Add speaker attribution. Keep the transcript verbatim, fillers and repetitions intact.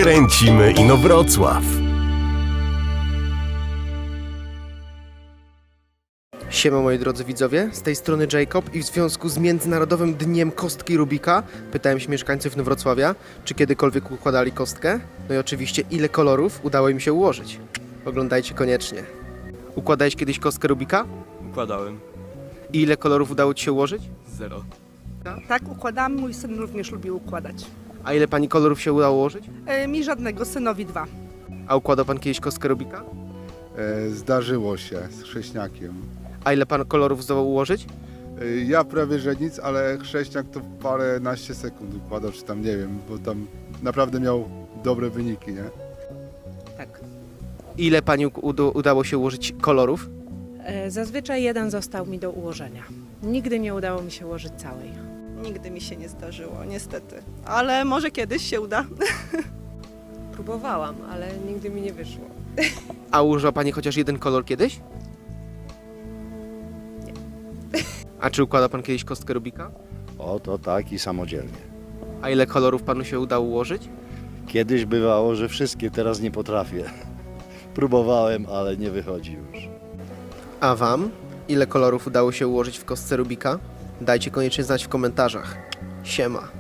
Speaker 1: Kręcimy Inowrocław.
Speaker 2: Siema moi drodzy widzowie, z tej strony Jacob i w związku z Międzynarodowym Dniem Kostki Rubika pytałem się mieszkańców Inowrocławia, czy kiedykolwiek układali kostkę. No i oczywiście ile kolorów udało im się ułożyć. Oglądajcie koniecznie. Układałeś kiedyś kostkę Rubika?
Speaker 3: Układałem.
Speaker 2: I ile kolorów udało ci się ułożyć?
Speaker 3: Zero.
Speaker 4: Tak, układam. Mój syn również lubi układać.
Speaker 2: A ile pani kolorów się udało ułożyć?
Speaker 4: E, mi żadnego, synowi dwa.
Speaker 2: A układał pan kiedyś kostkę Rubika?
Speaker 5: E, Zdarzyło się z chrześniakiem.
Speaker 2: A ile pan kolorów zdołał ułożyć?
Speaker 5: E, Ja prawie że nic, ale chrześniak to paręnaście sekund układał, czy tam nie wiem, bo tam naprawdę miał dobre wyniki, nie?
Speaker 6: Tak.
Speaker 2: Ile pani uda- udało się ułożyć kolorów?
Speaker 6: E, Zazwyczaj jeden został mi do ułożenia. Nigdy nie udało mi się ułożyć całej.
Speaker 7: Nigdy mi się nie zdarzyło, niestety. Ale może kiedyś się uda.
Speaker 8: Próbowałam, ale nigdy mi nie wyszło.
Speaker 2: A użyła pani chociaż jeden kolor kiedyś?
Speaker 8: Nie.
Speaker 2: A czy układał pan kiedyś kostkę Rubika?
Speaker 9: O, to tak i samodzielnie.
Speaker 2: A ile kolorów panu się udało ułożyć?
Speaker 9: Kiedyś bywało, że wszystkie, teraz nie potrafię. Próbowałem, ale nie wychodzi już.
Speaker 2: A wam? Ile kolorów udało się ułożyć w kostce Rubika? Dajcie koniecznie znać w komentarzach. Siema.